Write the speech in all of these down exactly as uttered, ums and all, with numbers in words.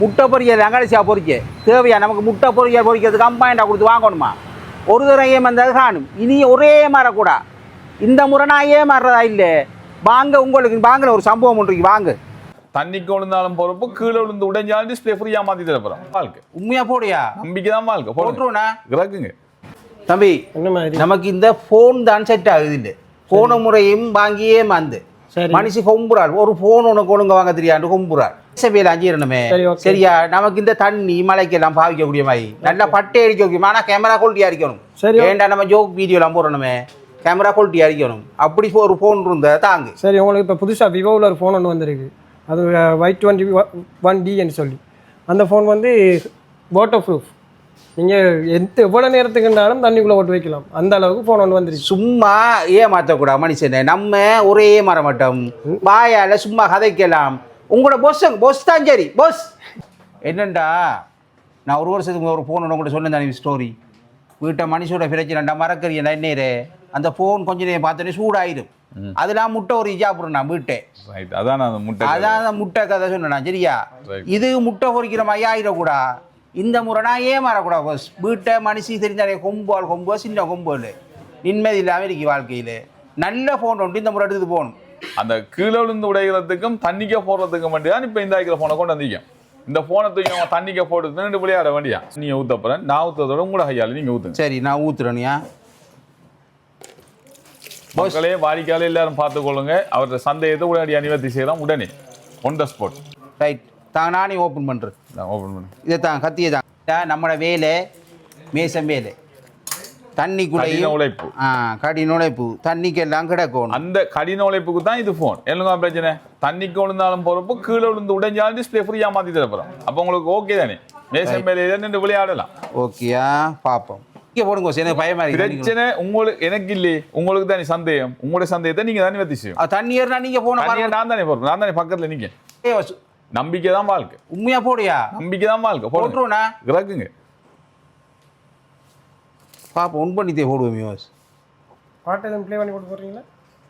முட்டை பொறிக்க அங்காடிச்சியா பொறிக்க தேவையா நமக்கு முட்டை பொறிக்க பொறிக்கிறதுக்கு அம்பாயிண்டா கொடுத்து வாங்கணுமா ஒரு தடவை ஏமாந்தது காணும் இனி ஒரே மாறக்கூடா இந்த முறை நான் ஏமாறுறதா இல்லை வாங்க உங்களுக்கு வாங்கல ஒரு சம்பவம் ஒன்றைக்கு வாங்க தண்ணிக்கு விழுந்தாலும் பொறுப்பு கீழே விழுந்து உடைஞ்சாலும் டிஸ்பிளே ஃப்ரீயா மாத்தி தரப்போம் வாழ்க்கை உண்மையா போடியா நம்பிக்கை தான் வாழ்க்கை போட்டுருவோண்ணா இறக்குங்க தம்பி நமக்கு இந்த போன் தான் செட் ஆகுது இல்லை போன முறையும் வாங்கியே மாந்து மனுஷி கொம்புறாள் ஒரு போன் உனக்கு ஒழுங்க வாங்க தெரியாது கொம்புறாள் வேலை அஞ்சிடணுமே சரியா நமக்கு இந்த தண்ணி மலைக்கெல்லாம் பாவிக்கக்கூடிய மாதிரி நல்லா பட்டை அடிக்க ஆனால் கேமரா குவாலிட்டி அடிக்கணும் ஏண்டா நம்ம ஜோக் வீடியோலாம் போடணுமே கேமரா குவாலிட்டி அடிக்கணும் அப்படி ஒரு ஃபோன் இருந்தா தாங்க சரி உங்களுக்கு இப்போ புதுசாக விவோவில் ஒரு ஃபோன் ஒன்று வந்திருக்கு அது ஒய் டுவெண்ட்டி ஒன் டின்னு சொல்லி அந்த ஃபோன் வந்து வாட்டர் ப்ரூஃப் நீங்கள் எந்த எவ்வளோ நேரத்துக்குனாலும் தண்ணிக்குள்ளே ஓட்டு வைக்கலாம் அந்த அளவுக்கு ஃபோன் ஒன்று வந்துருக்கு சும்மா ஏமாற்றக்கூடாது மனுஷனை நம்ம ஒரே மாற மாட்டோம் வாயால் சும்மா கதைக்கலாம் உங்களோட பொஸ் பொஸ் தான் சரி பொஸ் என்னண்டா நான் ஒரு வருஷத்துக்கு ஒரு ஃபோன் ஒன்று கூட சொன்னேன் தானே ஸ்டோரி வீட்டை மனுஷோட பிரச்சனைண்டா மறக்கறியா என்னேரே அந்த ஃபோன் கொஞ்ச நேரம் பார்த்தோன்னே சூடாயிடும் அதெல்லாம் முட்டை ஒரு இஜாப்புறேன் நான் வீட்டை அதான் முட்டை அதான் முட்டை கதை சொன்னேன் சரியா இது முட்டை பொறிக்கிற மாதிரி ஆயிடக்கூடா இந்த முறை நான் ஏமாறக்கூடாது பஸ் வீட்டை மனுஷி தெரிஞ்சாலே கொம்புவாள் கொம்புவா சின்ன கொம்புவாள் நிம்மதி இல்லாமல் இருக்கு வாழ்க்கையில் நல்ல ஃபோன் ஒன்று இந்த முறை எடுத்துட்டு போகணும் அந்த கீழே விழுந்து உடைகிறதுக்கும் தண்ணிக்க போடுறதுக்கும் மட்டும் தான் இப்போ இந்த ஆக்கிற ஃபோனை கொண்டு வந்திருக்கேன் இந்த ஃபோனை தூக்கி அவன் தண்ணிக்க போட்டு ரெண்டு விளையாட வேண்டியா நீங்கள் ஊற்றப்பறேன் நான் ஊற்றுறதோட உங்களோட கையால் நீங்கள் ஊற்றுங்க சரி நான் ஊற்றுறேனியா மக்களே வாடிக்கையாளர் எல்லாரும் பார்த்துக்கொள்ளுங்க அவரோட சந்தேகத்தை உடனடி அணிவர்த்தி செய்யலாம் உடனே ஒன் த ஸ்பாட் ரைட் தான் நானே ஓப்பன் பண்ணுறேன் நான் ஓப்பன் பண்ணேன் இதை தான் கத்தியை தான் நம்மளோட வேலை மேசம் வேலை தண்ணிக்குள்ள உழைப்பு ஆ கடின உழைப்பு தண்ணிக்கு எல்லாம் கிடக்கும் அந்த கடின உழைப்புக்கு தான் இது ஃபோன் என்னங்க பிரச்சனை தண்ணிக்கு விழுந்தாலும் பொறுப்பு கீழே விழுந்து உடைஞ்சாலும் டிஸ்பிளே ஃப்ரீயா மாற்றி தரப்போம் அப்போ உங்களுக்கு ஓகே தானே மேசம் வேலையில நின்று விளையாடலாம் ஓகேயா பார்ப்போம் இங்கே போடுங்க எனக்கு பயமா இருக்கு பிரச்சனை உங்களுக்கு எனக்கு இல்லையே உங்களுக்கு தானே சந்தேகம் உங்களுடைய சந்தேகத்தை நீங்க தானே வத்தி செய்யும் தண்ணி ஏறினா நீங்க போன நான் தானே போறேன் நான் தானே பக்கத்துல நீங்க நம்பிக்கை தான் வாழ்க்கை உண்மையா போடியா நம்பிக்கை தான் வாழ்க்கை போட்டுருவோண்ணா இறக்குங்க பாப்பா ஒன் பண்ணித்தே போடுவோம் மியோஸ் பாட்டு எதுவும் ப்ளே பண்ணி போட்டு போடுறீங்களா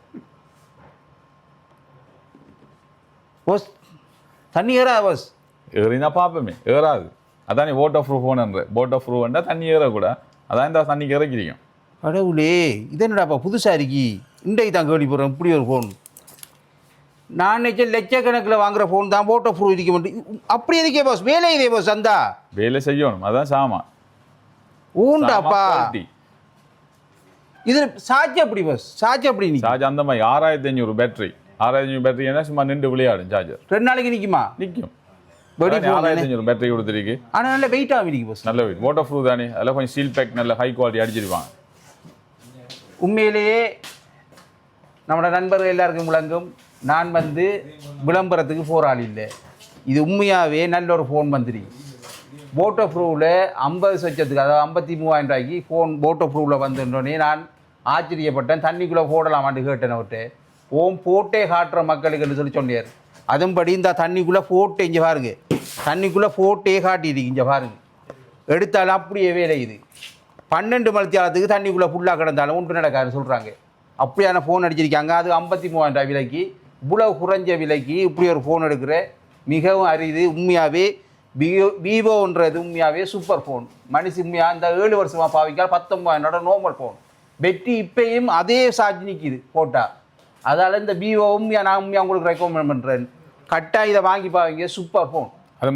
பஸ் தண்ணி ஏறா பஸ் ஏறினா பார்ப்போமே ஏறாது அதானே போட் ஆஃப் ப்ரூஃப் ஃபோன்ன்ற போட் ஆஃப் ப்ரூஃப்னா தண்ணி ஏறக்கூட அதான் இந்த தண்ணிக்கு இறக்கிறீங்க கடவுளே இது என்னடாப்பா புதுசாக இருக்கி இன்றைக்கு தான் கேள்விப்படுறேன் இப்படி ஒரு ஃபோன் நான் நினைச்ச லட்சக்கணக்கில் வாங்குற ஃபோன் தான் போட் ஆஃப் ப்ரூஃப் இருக்க மாட்டேன் அப்படி இருக்கே பாஸ் வேலை இதே பாஸ் சந்தா வேலை செய்யணும் அதான் சாமா ஊண்டாப்பா இது சார்ஜ் அப்படி பஸ் சார்ஜ் அப்படி நீ சார்ஜ் அந்த மாதிரி ஆறாயிரத்தி அஞ்சூறு பேட்டரி ஆறாயிரத்தி அஞ்சூறு பேட்டரி என்ன சும்மா நின்று விளையாடும் சார்ஜர் ரெண்டு நாளைக்கு நிற்குமா நிற்கும் ஆறாயிரத்தி அஞ்சூறு பேட்டரி கொடுத்துருக்கு ஆனால் நல்ல வெயிட்டாக இருக்கு பஸ் நல்ல வெயிட் வாட்டர் ப்ரூஃப் தானே அதெல்லாம் கொஞ்சம் ஸ்டீல் பேக் நல்ல ஹை குவாலிட்டி அடிச்சிருப்பாங்க உண்மையிலேயே நம்மளோட நண்பர்கள் எல்லாருக்கும் விளங்கும் நான் வந்து விளம்பரத்துக்கு போராளி இல்லை இது உண்மையாகவே நல்ல ஒரு ஃபோன் வந்துரு போட்டோ ப்ரூவில் ஐம்பது லட்சத்துக்கு அதாவது ஐம்பத்தி மூவாயிரம் ரூபாய்க்கு ஃபோன் போட்டோ ப்ரூவில் வந்துட்டோன்னே நான் ஆச்சரியப்பட்டேன் தண்ணிக்குள்ளே போடலாமான்னு கேட்டேன் விட்டு ஓம் போட்டே காட்டுற மக்களுக்குன்னு சொல்லி சொன்னார் அதுபடி இந்த தண்ணிக்குள்ளே போட்டு இங்கே பாருங்க தண்ணிக்குள்ளே போட்டே காட்டியிருக்கு இங்கே பாருங்க எடுத்தாலும் அப்படியே வேலை இது பன்னெண்டு மணித்தியாலத்துக்கு தண்ணிக்குள்ளே ஃபுல்லாக கிடந்தாலும் ஒன்று நடக்காதுன்னு சொல்கிறாங்க அப்படியான ஃபோன் அடிச்சிருக்காங்க அது ஐம்பத்தி மூவாயிரம் ரூபாய் விலைக்கு இவ்வளவு குறைஞ்ச விலைக்கு இப்படி ஒரு ஃபோன் எடுக்கிற மிகவும் அரிது உண்மையாகவே விவோ விவோன்றது உண்மையாகவே சூப்பர் ஃபோன் மனுஷி உண்மையாக அந்த ஏழு வருஷமாக பாவிக்கால் பத்தொம்பதாயிரம் நார்மல் ஃபோன் பெட்டி இப்பயும் அதே சார்ஜ் நிற்கிது போட்டால் அதால் இந்த விவோ உண்மையாக நான் உண்மையாக உங்களுக்கு ரெக்கமெண்ட் பண்ணுறேன் கட்டாக இதை வாங்கி பாவீங்க சூப்பர் ஃபோன்